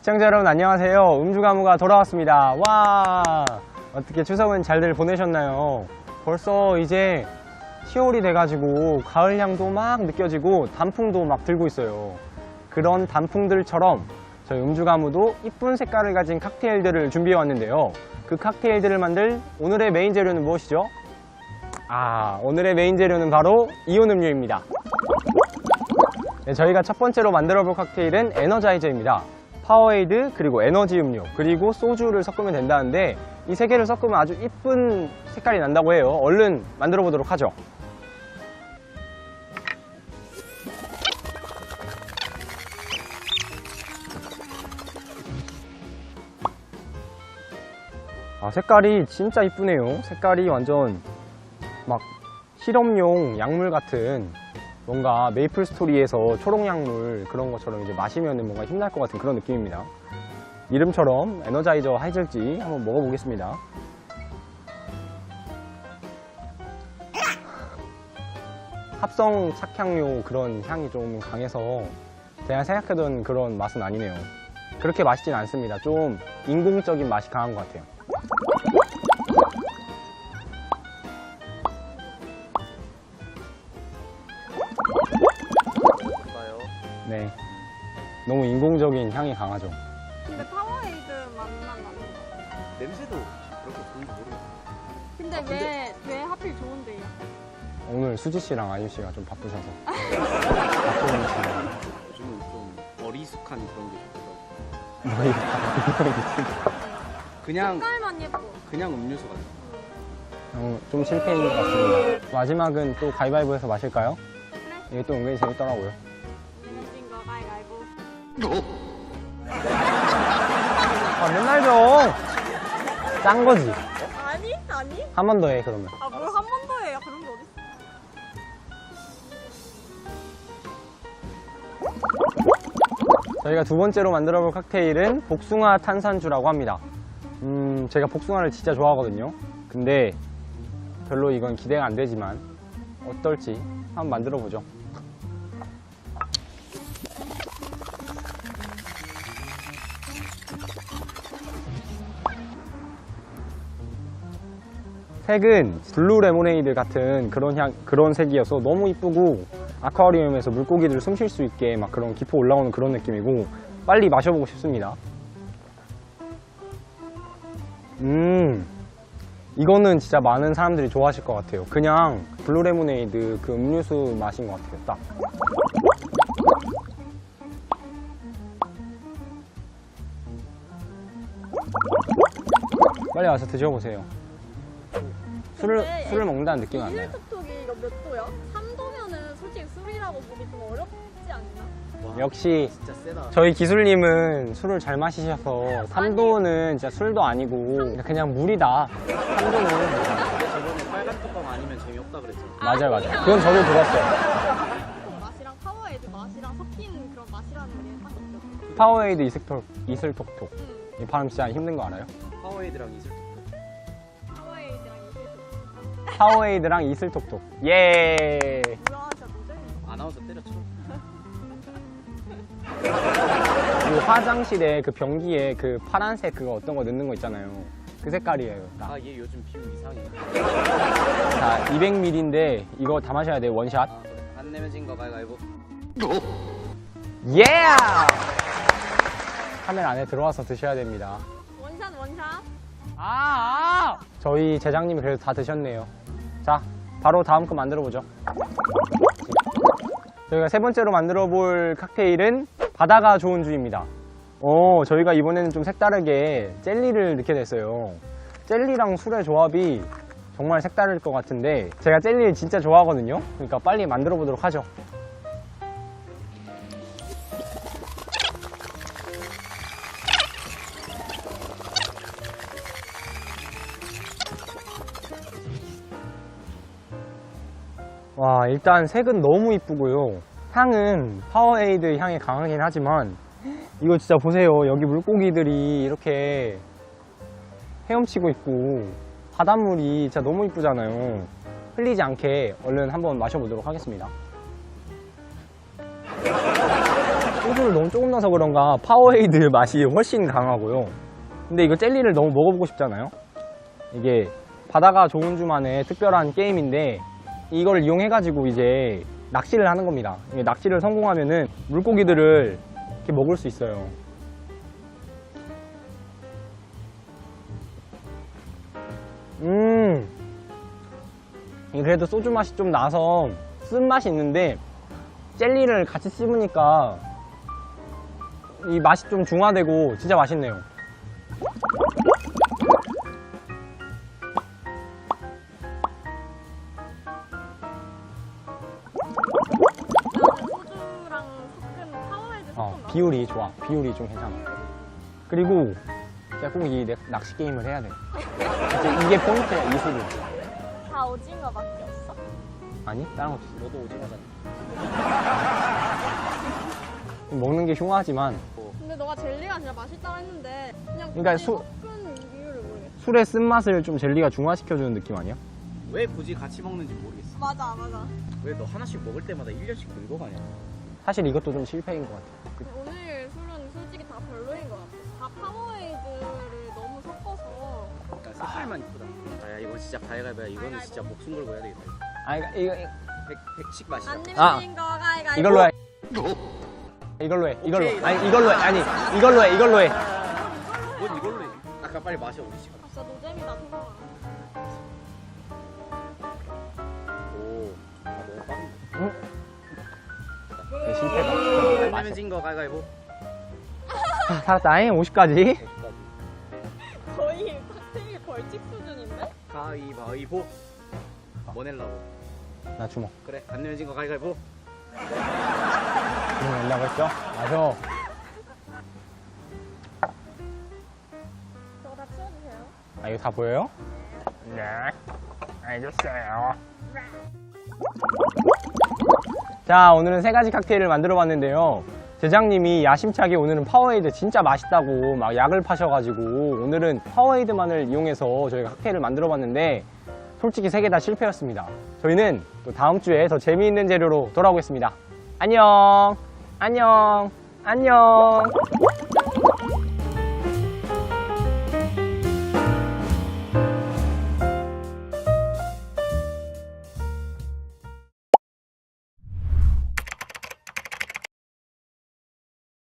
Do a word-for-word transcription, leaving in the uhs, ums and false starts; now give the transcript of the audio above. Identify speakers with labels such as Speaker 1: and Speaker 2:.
Speaker 1: 시청자 여러분 안녕하세요. 음주가무가 돌아왔습니다. 와, 어떻게 추석은 잘들 보내셨나요? 벌써 이제 시월이 돼가지고 가을향도 막 느껴지고 단풍도 막 들고 있어요. 그런 단풍들처럼 저희 음주가무도 이쁜 색깔을 가진 칵테일들을 준비해 왔는데요. 그 칵테일들을 만들 오늘의 메인 재료는 무엇이죠? 아, 오늘의 메인 재료는 바로 이온 음료입니다. 네, 저희가 첫 번째로 만들어 볼 칵테일은 에너자이저입니다. 파워에이드, 그리고 에너지 음료, 그리고 소주를 섞으면 된다는데 이 세 개를 섞으면 아주 이쁜 색깔이 난다고 해요. 얼른 만들어 보도록 하죠. 아, 색깔이 진짜 이쁘네요. 색깔이 완전 막 실험용 약물 같은, 뭔가 메이플 스토리에서 초록 약물 그런 것처럼 이제 마시면 뭔가 힘날 것 같은 그런 느낌입니다. 이름처럼 에너자이저 하이젤지 한번 먹어보겠습니다. 합성 착향료 그런 향이 좀 강해서 제가 생각하던 그런 맛은 아니네요. 그렇게 맛있진 않습니다. 좀 인공적인 맛이 강한 것 같아요. 네, 너무 인공적인 향이 강하죠.
Speaker 2: 근데 파워에이드 맛만 나는 거.
Speaker 3: 냄새도 그렇게 좋은지 모르겠어요.
Speaker 2: 근데
Speaker 3: 아,
Speaker 2: 왜,
Speaker 3: 근데-
Speaker 2: 왜 하필 좋은데요?
Speaker 1: 오늘 수지 씨랑 아유 씨가 좀 바쁘셔서 바쁘는 시간.
Speaker 3: 요즘은 좀 어리숙한 그런 게 좋더라고요.
Speaker 1: 뭐 이거
Speaker 3: 그냥
Speaker 2: 색깔만 예뻐.
Speaker 3: 그냥 음료수 같아요.
Speaker 1: 어, 좀 실패인 것 같습니다. 마지막은 또 가위바위보해서 마실까요?
Speaker 2: 그래?
Speaker 1: 이게 또 은근히 재밌더라고요.
Speaker 2: 내가 찐거 가위가위보.
Speaker 1: 아, 맨날 좀! 짠 거지?
Speaker 2: 아니? 아니?
Speaker 1: 한 번 더 해, 그러면.
Speaker 2: 아, 뭘 한 번 더 해요? 그런 게 어딨어?
Speaker 1: 저희가 두 번째로 만들어 볼 칵테일은 복숭아 탄산주라고 합니다. 음, 제가 복숭아를 진짜 좋아하거든요. 근데 별로 이건 기대가 안 되지만 어떨지 한번 만들어 보죠. 색은 블루 레모네이드 같은 그런 향, 그런 색이어서 너무 이쁘고 아쿠아리움에서 물고기들 숨 쉴 수 있게 막 그런 기포 올라오는 그런 느낌이고 빨리 마셔보고 싶습니다. 음, 이거는 진짜 많은 사람들이 좋아하실 것 같아요. 그냥 블루 레모네이드 그 음료수 맛인 것 같아요. 딱. 빨리 와서 드셔보세요. 술을,
Speaker 2: 근데
Speaker 1: 술을 먹는다는 느낌은 안 나요.
Speaker 2: 이일톡톡이 이거 몇 도야? 삼 도면은 솔직히 술이라고 보기 좀 어렵지 않나?
Speaker 3: 와,
Speaker 1: 역시
Speaker 3: 진짜 세다.
Speaker 1: 저희 기술님은 술을 잘 마시셔서 삼 도는 진짜 술도 아니고 그냥 물이다. 삼 도는
Speaker 3: 저번에 빨간 뚜껑 아니면 재미없다 그랬잖아.
Speaker 1: 맞아요, 맞아요. 그건 저도 들었어요.
Speaker 2: 그 맛이랑 파워에이드 맛이랑 섞인 그런 맛이라는 게 딱 있죠.
Speaker 1: 파워에이드 이슬톡, 이슬톡톡.
Speaker 2: 응.
Speaker 1: 이 발음 진짜 힘든 거 알아요?
Speaker 3: 파워에이드랑 이슬
Speaker 2: 파워에이드랑 이게
Speaker 1: 파워에이드랑 이슬톡톡. 예.
Speaker 2: 뭐야 진짜 노잼이네.
Speaker 3: 아나운서 때려쳐.
Speaker 1: 그 화장실에 그 변기에 그 파란색 그거 어떤 거 넣는 거 있잖아요. 그 색깔이에요. 딱.
Speaker 3: 아, 얘 요즘 비율 이상해.
Speaker 1: 자, 이백 밀리리터인데 이거 다 마셔야 돼요. 원샷.
Speaker 3: 아, 그래. 안 내면 진거 가위가위보.
Speaker 1: 예! 카메라 안에 들어와서 드셔야 됩니다.
Speaker 2: 원샷 원샷.
Speaker 1: 아, 아! 저희 제장님이 그래도 다 드셨네요. 자, 바로 다음 거 만들어 보죠. 저희가 세 번째로 만들어 볼 칵테일은 바다가 좋은 주입니다. 어, 저희가 이번에는 좀 색다르게 젤리를 넣게 됐어요. 젤리랑 술의 조합이 정말 색다를 것 같은데 제가 젤리를 진짜 좋아하거든요. 그러니까 빨리 만들어 보도록 하죠. 와, 일단 색은 너무 이쁘고요. 향은 파워에이드 향이 강하긴 하지만 이거 진짜 보세요. 여기 물고기들이 이렇게 헤엄치고 있고 바닷물이 진짜 너무 이쁘잖아요. 흘리지 않게 얼른 한번 마셔보도록 하겠습니다. 소주를 너무 조금 넣어서 그런가 파워에이드 맛이 훨씬 강하고요. 근데 이거 젤리를 너무 먹어보고 싶잖아요. 이게 바다가 좋은 주만의 특별한 게임인데 이걸 이용해가지고 이제 낚시를 하는 겁니다. 이게 낚시를 성공하면은 물고기들을 이렇게 먹을 수 있어요. 음, 이게 그래도 소주 맛이 좀 나서 쓴맛이 있는데 젤리를 같이 씹으니까 이 맛이 좀 중화되고 진짜 맛있네요.
Speaker 2: 소주랑 섞은 파워에이드
Speaker 1: 어,
Speaker 2: 섞은 맛.
Speaker 1: 비율이 좋아. 비율이 좀 괜찮아. 그리고 진짜 꼭 이 낚시 게임을 해야 돼. 이제 이게 포인트야, 이 술은.
Speaker 2: 다 오징어밖에 없어?
Speaker 1: 아니, 다른 것도 있어.
Speaker 3: 너도 오징어잖아.
Speaker 1: 먹는 게 흉하지만
Speaker 2: 근데 너가 젤리가 진짜 맛있다고 했는데 그냥
Speaker 1: 그러니까
Speaker 2: 굳이
Speaker 1: 수-
Speaker 2: 섞은 이유를 모르겠어.
Speaker 1: 술의 쓴맛을 좀 젤리가 중화시켜주는 느낌 아니야?
Speaker 3: 왜 굳이 같이 먹는지 모르겠어.
Speaker 2: 맞아 맞아.
Speaker 3: 왜 너 하나씩 먹을 때마다 일 년씩 늙어가냐?
Speaker 1: 사실 이것도 좀 실패인 것 같아. 그-
Speaker 2: 오늘 술은 솔직히 다 별로인 것 같아. 다 파워에이드를 너무 섞어서.
Speaker 3: 일단 색깔만 이쁘다. 아, 야, 이거 진짜 가위가위야. 이거는 진짜 목숨 걸고 해야 되겠다.
Speaker 1: 아, 이거, 이거,
Speaker 3: 백, 백식 맛이야.
Speaker 2: 안
Speaker 1: 아.
Speaker 2: 내면 거 가위가위보.
Speaker 1: 이걸로 해. 이걸로 해. 이걸로.
Speaker 3: 오케이.
Speaker 1: 아니, 이걸로 해. 아니, 이걸로 해. 이걸로 해.
Speaker 3: 뭔 이걸로 해? 아까 빨리 마셔, 우리 시간.
Speaker 2: 아, 진짜 노잼이다 태성아.
Speaker 3: 오, 아, 너무 빠른데.
Speaker 1: 네, 실패다.
Speaker 3: 안 내면 진 거 가위가위보.
Speaker 1: 아, 살았다잉. 오십까지.
Speaker 2: 거의 칵테일 벌칙 수준인데?
Speaker 3: 가위바위보. 뭐 낼라고?
Speaker 1: 나 주먹.
Speaker 3: 그래, 안 내면 진 거 가위가위보.
Speaker 1: 주먹 낸다고 했죠? 마셔.
Speaker 2: 저거 다 치워주세요.
Speaker 1: 아, 이거 다 보여요? 네. 알겠어요. 자, 오늘은 세 가지 칵테일을 만들어 봤는데요. 제장님이 야심차게 오늘은 파워에이드 진짜 맛있다고 막 약을 파셔가지고 오늘은 파워에이드만을 이용해서 저희가 칵테일을 만들어 봤는데 솔직히 세 개 다 실패였습니다. 저희는 또 다음 주에 더 재미있는 재료로 돌아오겠습니다. 안녕! 안녕! 안녕!